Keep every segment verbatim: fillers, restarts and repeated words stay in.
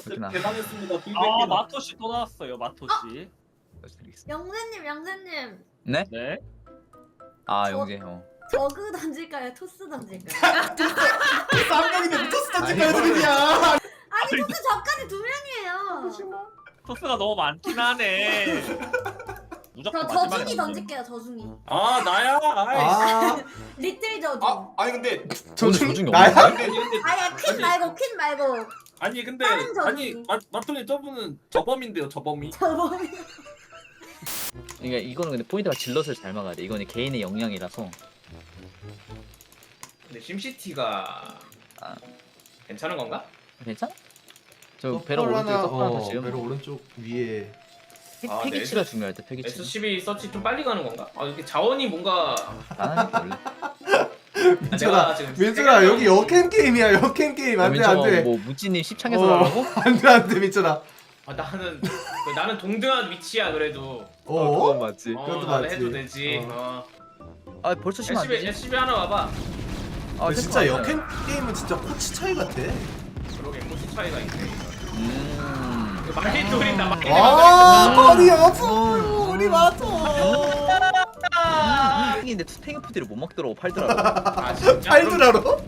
그렇구나. 대단했습니다. 아 마토씨 또 나왔어요. 마토씨. 영재님, 영재님. 네? 네. 아 저- 영재 형. 저그 던질까요? 토스 던질까요? 쌍둥이네 토스 던질까 아니, 애들이야. 아니 토스 저까지 두 명이에요. 토스가 너무 많긴 하네. 무조건 저 마지막에 저중이 던져. 던질게요. 저중이. 아 나야. 아이. 아, 리틀 저중. 아 아니 근데 저중 저중 나야? 나야? 아니 근데 아야 퀸 말고 퀸 말고. 아니 근데 다른 저기. 아니 마 마토님 저분은 저범인데요 저범이. 저범이. 그러니까 이거는 근데 포인트가 질럿을 잘 막아야 돼. 이거는 개인의 역량이라서. 근데 심시티가 아. 괜찮은 건가? 괜찮아? 저 서 배로 오른쪽에 하나, 서하나 어, 더 지금 배로 오른쪽 위에. 패- 아, 패기치가 네. 중요할 때 패기치. 에스씨비 서치 좀 빨리 가는 건가? 아 이렇게 자원이 뭔가 나는 원래. 민철아, 지금 민철아 생각나는 여기 역캠 게임이야. 역캠 게임 안돼 안돼. 뭐 무찌님 십창에서 어. 나가고? 안돼 안돼 민철아. 아 나는 그 나는 동등한 위치야 그래도. 어? 맞지. 어, 그것도 나는 맞지. 해도 되지. 어. 어. 아 벌써 시면 안 에스씨비 되지? 에스씨비 하나 와봐. 아 근데 진짜 됐어. 역캠 게임은 진짜 코치 차이 같아. 그러게 코스 차이가 있네. 음. 이거 많이 돌린다 많이 아, 돌린다. 머리 아프. 우리 맞아. 아, 근데 투탱이 푸디를 못 먹더라고 팔더라고. 아 진짜? 팔드라로?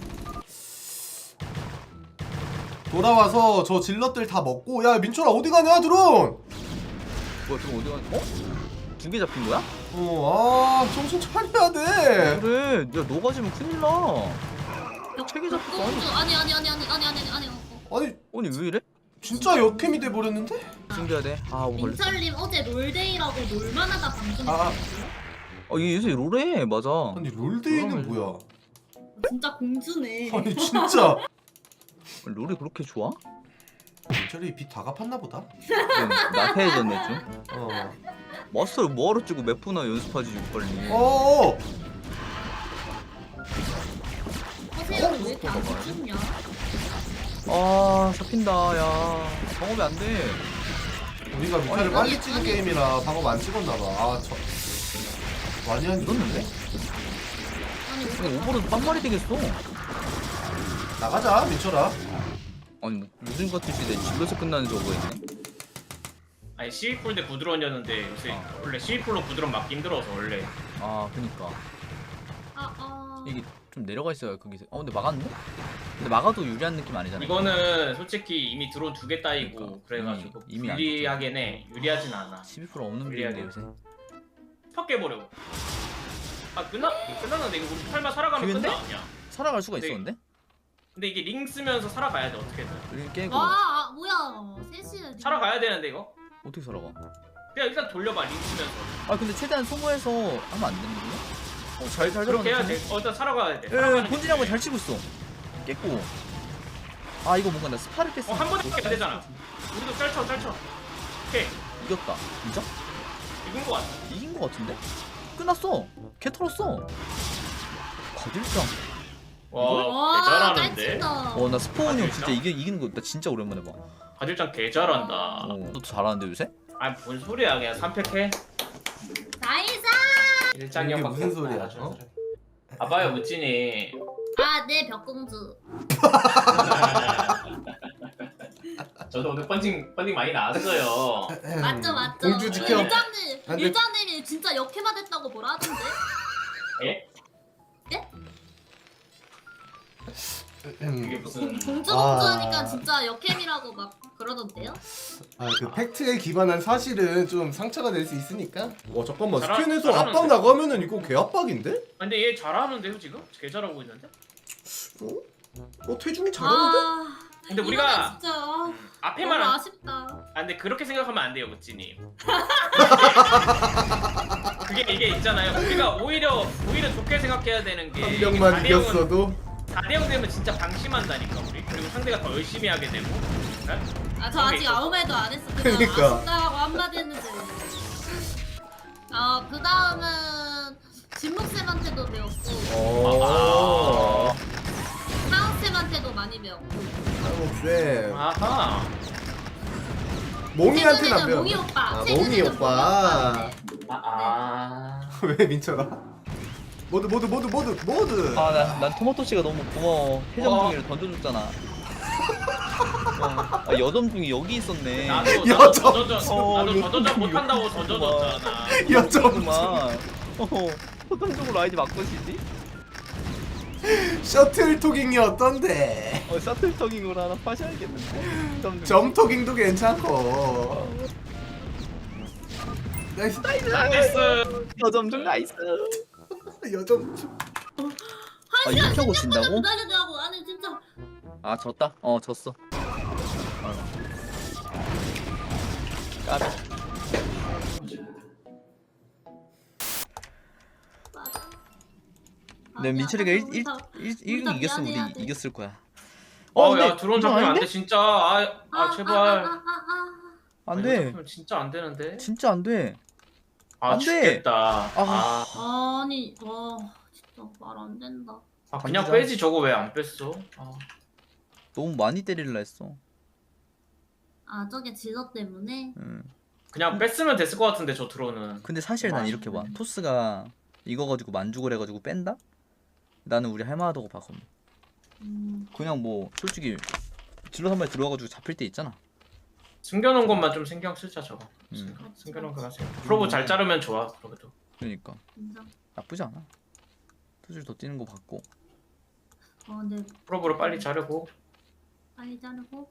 돌아와서 저 질럿들 다 먹고 야 민철아 어디 가냐 드론? 뭐야 지금 어디 가? 어? 두 개 잡힌 거야? 어아 정신 차려야 돼. 그래, 야 너가 지면 큰일 나. 책이 잡혔어. 공주 아니 아니 아니 아니 아니 아니 아니 어. 아니 아니 왜 이래? 진짜 역캠이 돼 버렸는데? 숨겨야 돼. 아, 뭐 걸렸어. 민철님 어제 롤데이라고 놀만하다 방송했어요. 아 어, 얘 요새 롤해, 맞아. 아니 롤데이는 뭐야? 진짜 공주네. 아니 진짜 롤이 그렇게 좋아? 민철이 빚 다 갚았나 보다. 응, 나태해졌네 좀. 어. 마스터를 뭐하러 찍고 몇 분이나 연습하지 빨리. 어. 허세형은 왜 이렇게 안 죽냐? 아, 잡힌다, 야. 방업이 안 돼. 우리가 미타를 아니, 빨리 아니, 찍은 아니. 게임이라 방업 안 찍었나 봐. 아 저. 많이 안 이겼는데? 아니 아니, 오버로드 빵말이 되겠어. 나가자 민철아. 아니, 뭐, 요즘 같은 시대에 집에서 끝나는 저거 있네. 아니 십이풀 대 부드러운이었는데 요새 아. 원래 십이풀로 부드러운 막기 힘들어서 원래. 아, 그니까. 아 아. 이게 좀 내려가 있어요, 거기서. 어, 근데 막았네? 근데 막아도 유리한 느낌 아니잖아. 이거는 솔직히 이미 드론 두 개 따이고 그러니까. 그래가지고 이미- 이미 안 불리하긴 해. 유리하진 않아. 십이 퍼센트 없는 유리하게. 빌인데 요새. 턱 깨버려. 아 끝나? 끝났는데 이거 우리 설마 살아가면 기회인데? 끝나 아니야? 살아갈 수가 네. 있었는데? 근데 이게 링 쓰면서 살아가야 돼 어떻게든. 여기 깨고. 아, 아 뭐야 셋이야. 살아가야 되는데 이거. 어떻게 살아가? 그냥 일단 돌려봐 링 쓰면서. 아, 근데 최대한 소모해서 하면 안 되는 거야? 어, 잘, 잘 그렇게 해야 들어가네. 돼. 어 일단 살아가야 돼. 예, 살아가는 본진이 게 잘 치고 있어. 깼고. 아, 이거 뭔가 나 스파를 깼어. 어 한 번에 안 되잖아. 우리도 짤쳐 짤쳐. 오케이 이겼다. 진짜? 이긴 거 같아. 이긴 거 같은데? 끝났어. 개 털었어. 거들짱. 와 개잘하는데. 짤친다. 어, 나 스포은이 형 아, 진짜 진짜? 이기, 이기는 거 나 진짜 오랜만에 봐. 가질장 개잘한다. 어, 너도 잘하는데 요새? 아니 뭔 소리야 그냥 삼 팩해. 나이스. 일장이 이게 형밖에 무슨 없다. 소리야, 아주 어? 잘해. 봐봐요 무진이. 아네 벽공주. 저도 오늘 펀칭 펀칭 많이 나왔어요. 맞죠 맞죠. 공주 지켜. 일장님 안 돼. 일장님이 진짜 역해만 했다고 뭐라 하던데? 예? 예? 그게 음. 무슨? 공주 아. 공주 하니까 진짜 역캠이라고 막 그러던데요? 아그 팩트에 기반한 사실은 좀 상처가 될 수 있으니까. 와 잠깐만 잘하- 스캔에서 잘하는데? 압박 나가면은 이거 개 압박인데? 근데 얘 잘하는데요 지금? 개 잘하고 있는데? 어? 어 태중이 잘하는데? 아. 근데 이거는 우리가 진짜 아, 앞에만 너무 안... 아쉽다. 아 근데 그렇게 생각하면 안 돼요 무진님. 그게 이게 있잖아요. 우리가 오히려 오히려 좋게 생각해야 되는 게 한 명만 사 대 영은 이겼어도. 사 대 영 되면 진짜 방심한다니까 우리. 그리고 상대가 더 열심히 하게 되고. 네? 아 저 아직 아무 말도 안 했어. 그냥 그러니까. 아쉽다고 한마디 했는데. 아그 다음은 진목쌤한테도 배웠고 어. 하은쌤한테도 많이 배웠고 쌤. 아하. 몽이한테는 안 최근에는 배워. 몽이 오빠. 아 최근에는 몽이 오빠. 오빠한테. 아. 아. 왜 민철아? 모두 모두 모두 모두 모두. 아, 난, 난 토마토씨가 너무 고마워. 회전 어. 중이를 던져줬잖아. 아, 여점중이 여기 있었네. 나도 나도 여점. 저저전 어, 나도 저저전 여점. 못한다고 던져줬잖아. 여점 어허, 포탄적으로 아이디 바꾸시지? 셔틀 토깅이 어떤데? 어, 셔틀터깅으로 하나 파셔야겠는데. 점중. 점 토깅도 괜찮고. 나이스. 나이스. 여점중 나이스. 여점. 아, 이렇게 하고 진다고? 기다리더라고. 아니 진짜. 아, 졌다. 어, 졌어. 까비. 맞아. 네, 아니야, 민철이가 아니, 일, 우리 일, 다- 일, 우리 일 다 이겼으면 미안해야 우리 돼. 이겼을 거야. 어, 근데 야 드론 이거 잡히면 안 아닌데? 돼 진짜. 아, 아, 아, 제발. 아, 아, 아, 아. 안 이거 돼. 잡히면 진짜 안 되는데. 진짜 안 돼. 아 안 돼. 죽겠다. 아. 아, 아니, 와, 진짜 말 안 된다. 아 그냥 감기자. 빼지 저거 왜 안 뺐어? 아. 너무 많이 때리려 했어. 아, 저게 질러 때문에. 응. 그냥 뺐으면 됐을 것 같은데 저 드론은. 근데 사실 난 아, 이렇게 봐. 음. 토스가 이거 가지고 만죽을 해가지고 뺀다? 나는 우리 할만하다고 봤거든. 음, 그냥 뭐 솔직히 질러 한 마리 들어와가지고 잡힐 때 있잖아. 숨겨놓은 것만 좀 신경 쓰자 저거. 음. 숨겨놓은 거 하세요. 프로브 잘 자르면 좋아. 그래도. 그러니까 진짜. 나쁘지 않아. 토질 더 뛰는 거 봤고. 어, 근데 프로브를 빨리 자르고. 빨리 자르고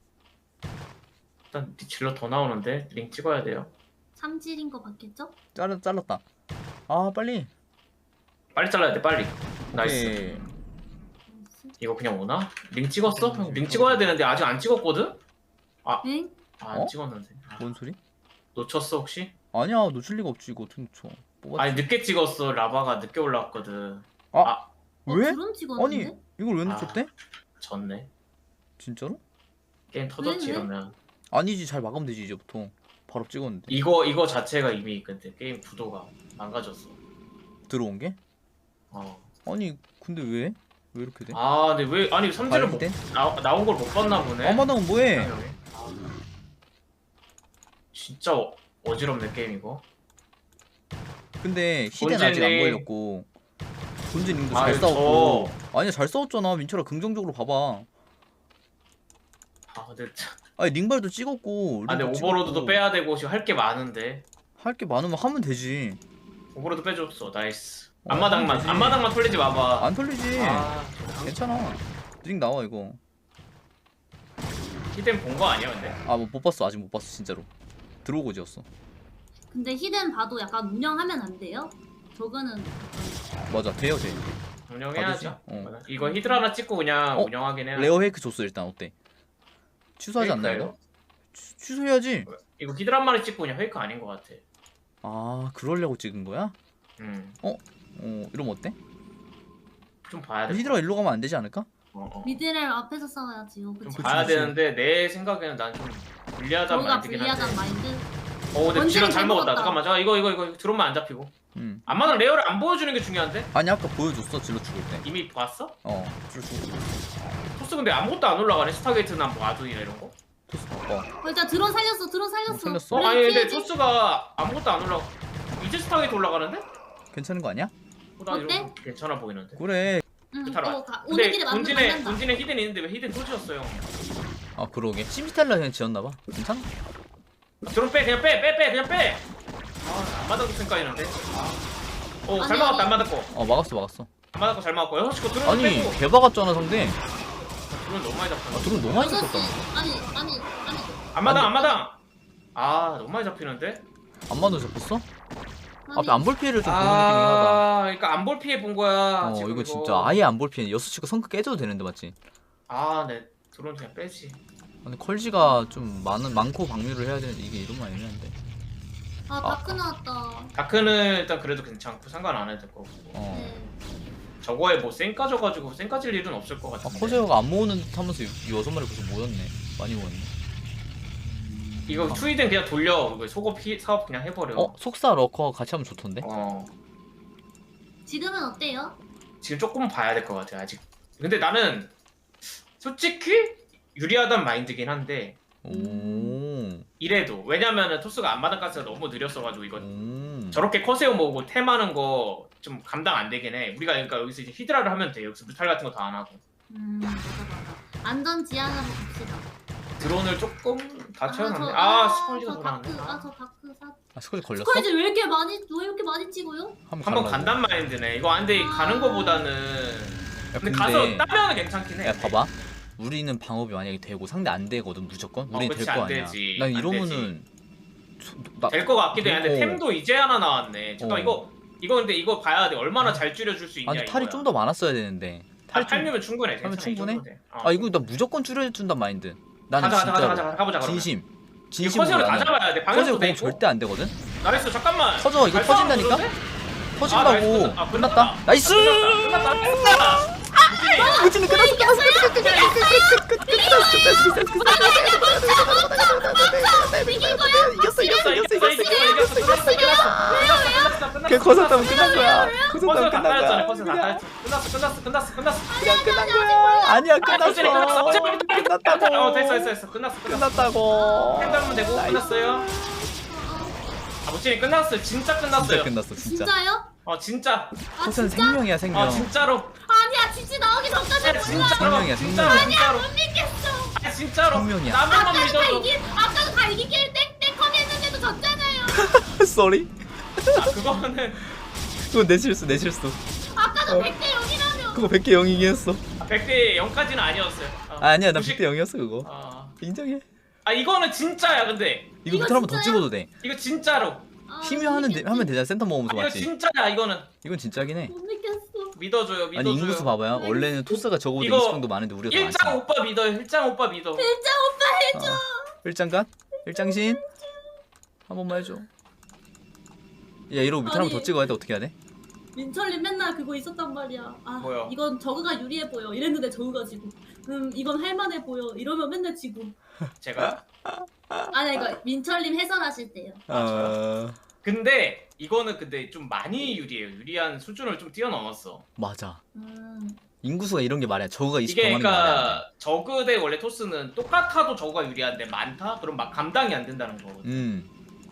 일단 질러 더 나오는데 링 찍어야 돼요. 삼질인 거 봤겠죠? 잘라 잘랐다. 아 빨리. 빨리 잘라야 돼 빨리. 나이스. 오케이. 나이스. 이거 그냥 오나? 링 찍었어? 형, 링 찍어야 되는데 아직 안 찍었거든? 엥? 아, 안 어? 찍었는데. 아, 뭔 소리? 놓쳤어 혹시? 아니야 놓칠 리가 없지 이거 어떻게 놓쳐. 뽑았지. 아니 늦게 찍었어. 라바가 늦게 올라왔거든. 아, 아. 어, 왜? 드론 찍었는데? 아니 이걸 왜 놓쳤대? 졌네. 진짜로? 게임 터졌지 왜, 왜? 이러면. 아니지 잘 마감되지 이제부터. 바로 찍었는데. 이거 이거 자체가 이미 근데 게임 구도가 망가졌어. 들어온 게? 어. 아니 근데 왜? 왜 이렇게 돼? 아 근데 왜 아니 삼질을 못, 발휘된? 나, 나온 걸 못 봤나 보네. 아마당은 뭐해? 아, 진짜 어, 어지럽네 게임 이거. 근데 히덴 아직 안 본진이- 보여줬고 본진님도 잘 아유, 싸웠고. 아니야 잘 싸웠잖아. 민철아 긍정적으로 봐봐. 아 근데 참- 아니 링발도 찍었고. 아 근데 오버로드도 빼야 되고 지금 할 게 많은데. 할게 많으면 하면 되지. 오버로드 빼줬어. 나이스. 어, 앞마당만 되지. 앞마당만 털리지 마봐. 안 털리지. 아 괜찮아. 링 나와 이거. 히덴 본 거 아니야 근데? 아 뭐 못 봤어. 아직 못 봤어 진짜로. 들어오고 지었어. 근데 히든 봐도 약간 운영하면 안 돼요? 저거는 맞아 돼요 돼. 운영해야죠. 받으지? 어. 이거 히들 하나 찍고 그냥 어? 운영하긴 해야. 레어 페이크 줬어 일단 어때? 취소하지 않나 페이크예요? 이거? 취- 취소해야지. 이거 히들 한 마리 찍고 그냥 페이크 아닌 것 같아. 아 그러려고 찍은 거야? 음. 어 이러면 어때? 좀 봐야 돼. 히드라 일로 가면 안 되지 않을까? 어, 어. 미드를 앞에서 싸워야지요. 좀 그치? 그치, 봐야 그치. 되는데 내 생각에는 난 좀 불리하단 저희가 마인드긴 한데. 불리하단 마인드. 어 근데 원딜이 지금 잘 잘 먹었다. 먹었다. 잠깐만. 자 이거 이거 이거 드론만 안 잡히고. 응. 안마당 레어를 안 보여주는 게 중요한데? 아니 아까 보여줬어 질러 죽을 때. 이미 봤어? 어 질러 죽을 때. 토스 근데 아무것도 안 올라가네. 스타게이트나 뭐 아두이나 이런 거. 토스 바꿔. 어, 일단 드론 살렸어. 드론 살렸어. 어, 살렸어. 어 우리 아니 근데 피해지? 토스가 아무것도 안 올라가. 이제 스타게이트 올라가는데? 괜찮은 거 아니야? 어, 나 어때? 이런 거 괜찮아 보이는데. 그래. 응. 타라. 어, 가, 근데 오늘끼리 만나 본진에 만난다. 본진에 히든 있는데 왜 히든 토지였어요? 아 그러게. 심스텔라 그냥 지었나봐. 괜찮아? 드론 빼 그냥 빼 빼 빼 그냥 빼. 아 안마당 생각이는데. 어잘 아니, 막았다 아니. 안마당 거. 어 막았어 막았어. 안마당 거잘 막았고 여섯 시거 드론 아니 빼고. 개 박았잖아 상대. 드론 너무 많이 잡혔어. 아 드론 너무 많이 여섯 시. 잡혔다. 아니 아니 아니. 안마당 안 안마당. 아 너무 많이 잡히는데. 안마도 잡혔어? 아니. 앞에 안 볼 피해를 좀 보는 느낌이긴 하다. 아 그러니까 안 볼 피해 본 거야. 어 지금 이거 진짜 아예 안 볼 피해. 여섯 시가 성크 깨져도 되는데 맞지? 아네 드론 그냥 빼지. 근데 컬지가 좀 많은 많고 방류를 해야 되는데 이게 이러면 애매한데. 아 다크 나왔다. 다크는 일단 그래도 괜찮고 상관 안 해도 될 거고. 어. 네. 저거에 뭐 쌩 까져가지고 쌩 까질 일은 없을 것 아 같은데. 커세어가 안 모으는 듯 하면서 이 여섯 마리 벌써 모였네. 많이 모였네. 이거 투이든 그냥 돌려. 이거 속업 피, 사업 그냥 해버려. 어 속사 러커 같이 하면 좋던데? 어. 지금은 어때요? 지금 조금 봐야 될 것 같아 아직. 근데 나는 솔직히 유리하단 마인드긴 한데 오. 이래도 왜냐면은 토스가 안마당 가스가 너무 느렸어가지고 이거 음. 저렇게 커세어 모으고 템하는 거 좀 감당 안 되긴 해. 우리가 그러니까 여기서 이제 히드라를 하면 돼. 여기서 뮤탈 같은 거 다 안 하고. 음 맞아 맞아. 안전 지향으로 갑시다. 드론을 조금 다 채워놨네. 저- 아 스컬지가 저 돌아왔네. 다크 아저 다크 사. 아 스쿼지 걸렸어? 스쿼지 왜 이렇게 많이 왜 이렇게 많이 찍어요? 한번 가려고. 간단 마인드네. 이거 안돼 아. 가는 거보다는. 야, 근데 가서 따면은 괜찮긴 해. 야 봐봐. 우리는 방업이 만약에 되고 상대 안 되거든 무조건. 어, 우리 그치, 될 거 안 아니야. 되지. 난 안 이러면은 소- 나 될 거 같기도 해. 근데 어. 템도 이제 하나 나왔네. 잠깐 어. 만 이거 이거 근데 이거 봐야 돼. 얼마나 잘 줄여줄 수 있냐. 아니 탈이 이거야. 좀 더 많았어야 되는데. 아, 탈이 좀. 팔 면 충분해. 팔면 괜찮아, 이 충분해? 정도 돼. 어. 아 이거 나 무조건 줄여준단 마인드. 나는 가자 가자 가자 진짜로 가자 가자 가보자. 그러면. 진심. 이거 진심으로 커즈를 다 나는 잡아야 돼. 커즈 방역도 공 되고. 절대 안 되거든. 나이스 잠깐만. 터져 이거 잘 터진다니까. 싸우는데? 터진다고. 아, 나이스, 끝났- 아, 끝났다. 끝났다. 나이스. 끝났다. 끝났다. 끝났다. 무진이 끝났어. 끝났어. 끝났어. 끝났어. 이겼어 이겼어 이겼어 이겼어 이겼어 이겼어. 이겼어 끝났어 끝났어 끝났어 끝났어 그 커졌다면 끝난 거야. 커서 커졌다면 다 끝난 따였잖아 거야. 커서 다 그냥 따였어 끝났어 끝났어 끝났어 끝났어 그냥 끝난 거야. 아니야 끝났어. 끝났다고. 어 됐어 됐어 됐어 끝났어 끝났어 끝났다고. 템 잡으면 되고 나이스. 끝났어요 아 모찌님 끝났어요 진짜 끝났어요 진짜 끝났어 진짜. 진짜요? 어 진짜 아 코스는 진짜? 생명이야 생명. 어 진짜로 아니야 지지 나오기 전까지 아, 몰라. 진짜로 생명이야, 진짜로 생명. 진짜로 못 믿겠어. 아 진짜로 생명이야. 나만 아까도 다 믿어도 이기 아까도 다 이기길 땡땡컴 했는데도 졌잖아요. 쏘리. 아 그거는 그건 내 실수 내 실수. 아까도 어. 백 대 영이라며. 그거 백 개 영이긴 했어. 백 대 영까지는 아니었어요 어, 아니야 나 구십 백 대 영이었어 그거. 어. 인정해. 아 이거는 진짜야 근데 이거 이거 밑에 한번 더 진짜야? 찍어도 돼. 이거 진짜로 아, 힘이 못 하는 데, 믿겠지. 하면 되잖아 센터 아, 먹으면서 이거 맞지. 진짜야 이거는 이건 진짜긴 해. 못 믿겠어. 믿어줘요 믿어줘요 아니 인구수 봐봐요. 원래는 토스가 저거보다 이거 이십 정도 많은데 우리가 더 일장 많잖아. 오빠 믿어요 일장 오빠 믿어 진짜 오빠 해줘. 어. 일장간? 일장신? 한 번만 해줘. 야 이러고 밑에 한번 더 아니. 찍어야 돼. 어떻게 해야 돼? 민철님 맨날 그거 있었단 말이야. 아 뭐야? 이건 저그가 유리해 보여. 이랬는데 저그가 지고. 음 이건 할만해 보여. 이러면 맨날 지고. 제가 아니 이거 민철님 해설하실 때요. 어... 근데 이거는 근데 좀 많이 유리해요 유리한 수준을 좀 뛰어넘었어 맞아. 음. 인구수가 이런 게 말이야. 저거가 이십 이게 더 많은 게 말이야. 그러니까 저그 대 원래 토스는 똑같아도 저거가 유리한데 많다? 그럼 막 감당이 안 된다는 거거든 음.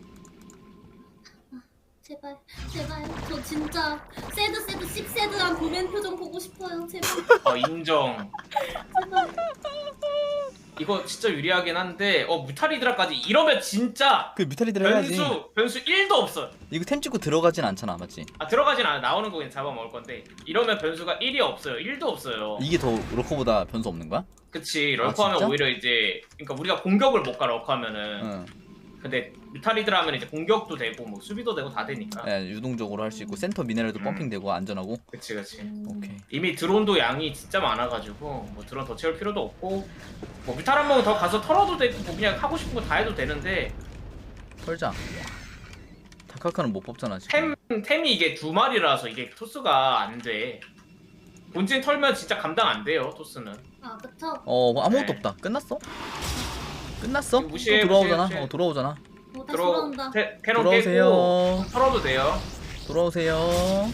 제발 제발 저 진짜 새드 새드 씹새드한 도맨 표정 보고 싶어요. 제발 어 인정 제발. 이거 진짜 유리하긴 한데 어 무탈리드라까지 이러면 진짜 그 뮤탈리들 해야지. 변수 변수 일도 없어 이거 템 찍고 들어가진 않잖아, 맞지? 아 들어가진 않아 나오는 거 그냥 잡아먹을 건데 이러면 변수가 일이 없어요 일도 없어요 이게 더 로커보다 변수 없는 거야? 그치 아, 럴커하면 진짜? 오히려 이제 그러니까 우리가 공격을 못 가 럴커하면은 응. 근데 뮤탈리드라 하면 이제 공격도 되고 뭐 수비도 되고 다 되니까 예, 유동적으로 할 수 있고 센터 미네랄도 음. 펌핑되고 안전하고. 그치 그치 오케이. 이미 드론도 양이 진짜 많아가지고 뭐 드론 더 채울 필요도 없고 뭐 뮤탈 한 번 더 가서 털어도 되고 뭐 그냥 하고 싶은 거 다 해도 되는데 털자. 다카카는 못 뽑잖아 지금. 템, 템이 이게 두 마리라서 이게 토스가 안돼 본진 털면 진짜 감당 안 돼요 토스는 아 그쵸? 어, 뭐 아무것도 네. 없다. 끝났어? 끝났어? 이거 무시해, 또 돌아오잖아. 무시해, 무시해. 어, 돌아오잖아. 어, 다시 들어 돌아온다. 테, 캐논 깨고 돌아오세요. 털어도 돼요 돌아오세요.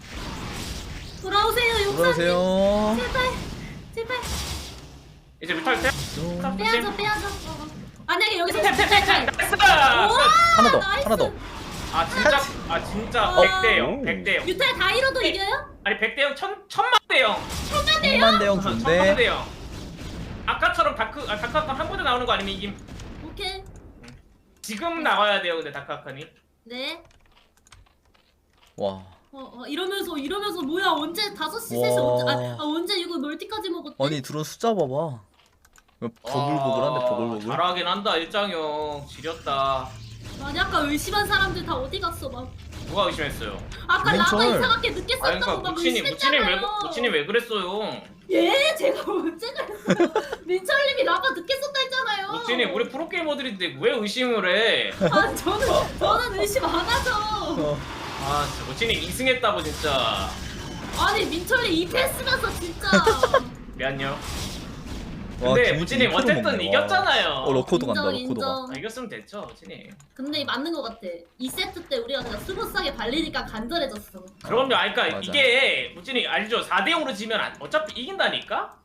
돌아오세요 용사님. 돌아오세요. 제발 제발 이제 뮤탈 템 또 빼야죠 빼야죠. 어. 만약에 여기서 템템템템 나이스 하나 더. 나이스. 하나 더. 아 진짜 아 진짜 어. 백 대 영 백 대 영 뮤탈 다 잃어도 이겨요? 아니 백 대 영 천, 천만 대 영 천만 대형 천만 좋은데. 대 영 아까처럼 다크 아 다크아칸 한 번에 나오는 거 아니면 이김 오케이. 지금 나와야 돼요 근데 다크아칸이 네. 와. 어, 어 이러면서 이러면서 뭐야 언제 다섯 시 와. 세 시 언제 아, 아 언제 이거 멀티까지 먹었대? 아니 드론 숫자 봐봐. 보글보글한데 아, 보글보글. 잘하긴 한다 일장형 지렸다 아니 아까 의심한 사람들 다 어디 갔어 막 누가 의심했어요 아까 민철. 라가 이상하게 늦게 아니 썼다고 그러니까 막 무친이 무친이 왜 의심했잖아요. 무친이 왜 그랬어요 예? 제가 언제 그랬어요? 민철님이 라가 늦게 썼다 했잖아요. 무친이 우리 프로게이머들인데 왜 의심을 해 아 저는 저는 의심 안 하죠. 어. 아 진짜 무친이 이승했다고 진짜 아니 민철님 이 패스면서 진짜 미안요 와, 근데 김우진 무친이 이프로 어쨌든 먹네. 와. 이겼잖아요 어 러코도 간다. 인정 러코도가. 인정. 아, 이겼으면 됐죠 무친이 근데 맞는 것 같아. 이 세트 때 우리가 그냥 스무스하게 발리니까 간절해졌어. 그럼요 아니 그니까 맞아. 이게 무친이 알죠 사 대 영으로 지면 안- 어차피 이긴다니까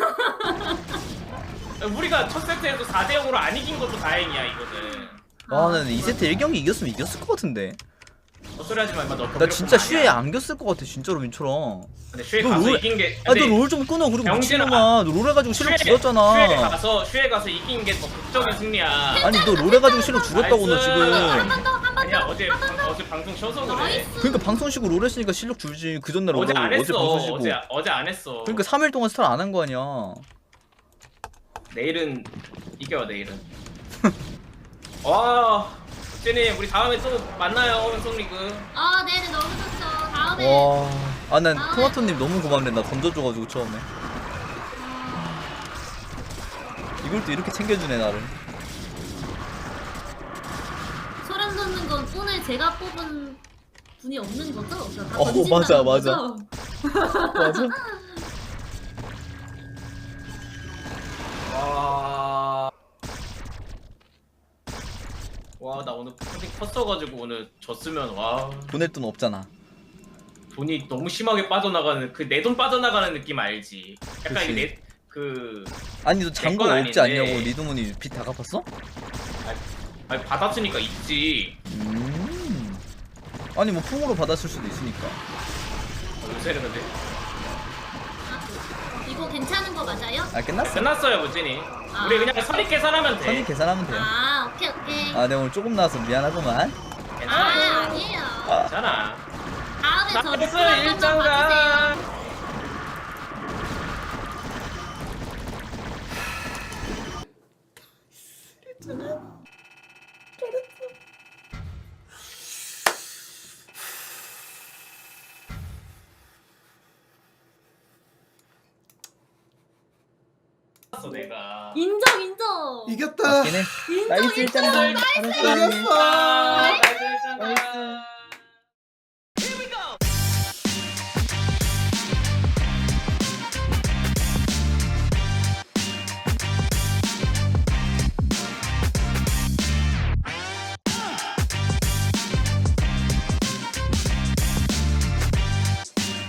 우리가 첫 세트에서 사 대 영으로 안 이긴 것도 다행이야 이거는 와, 나는 이 세트 일 경기 이겼으면 이겼을 것 같은데. 헛소리 하지 마. 임마. 너 나 진짜 슈에 안겼을 것 같아 진짜로 민철아. 근데 슈에 너 가서 롤- 이긴 게. 아 너 롤 좀 끊어. 그리고 병신아. 미친놈아 너 롤 해가지고 실력 슈에 죽였잖아. 가서 슈에 가서 이긴 게 더 극적인 승리야. 아니 너 롤 해가지고 실력 죽였다고 너 나이스. 지금. 한 번 더, 한 번 아니야 더. 어제 방, 어제 방송 쉬어서 그래. 나이스. 그러니까 방송 쉬고 롤 했으니까 실력 줄지. 그 전날 어제 어제 안 어제 했어. 방송 쉬고. 어제 어제 안 했어. 그러니까 삼 일 동안 스타를 안 한 거 아니야. 내일은 이겨 내일은. 와, 쟤님 우리 다음에 또 만나요 은성리그. 아, 네네, 너무 좋죠. 다음에. 와. 아 난 다음에- 토마토님 너무 고맙네. 나 던져줘가지고 처음에. 이걸 또 이렇게 챙겨주네 나를. 소름 돋는 건 오늘 제가 뽑은 분이 없는 거죠? 그러니까 다 어, 던진다는 맞아, 맞아. 거죠? 맞아? 와. 와, 나 오늘 푸딩 컸어가지고 오늘 졌으면 와 보낼 돈 없잖아. 돈이 너무 심하게 빠져나가는 그 내 돈 빠져나가는 느낌 알지? 약간 그치. 이게 내 그 아니 너 잔고 건 없지 아닌데. 않냐고. 리드문이 빚 다 갚았어? 아니 받았으니까 있지. 음. 아니 뭐 풍으로 받았을 수도 있으니까. 요새는 근데 이거 괜찮은 거 맞아요? 아 끝났어. 끝났어요 무진이. 아. 우리 그냥 선입 계산하면 돼. 선이 계산하면 돼요. 아, 오케이, 오케이. 아 내가 오늘 조금 나와서 미안하구만. 아, 아니에요. 괜찮아. 다음에 저 나이스 리플 한 번만 일장가. 봐주세요. 내가 인정, 인정. 이겼다. 맞긴 해. 인정, 나이스 인정. 일장군. 이겼어. 나이스 일장가. 나이스.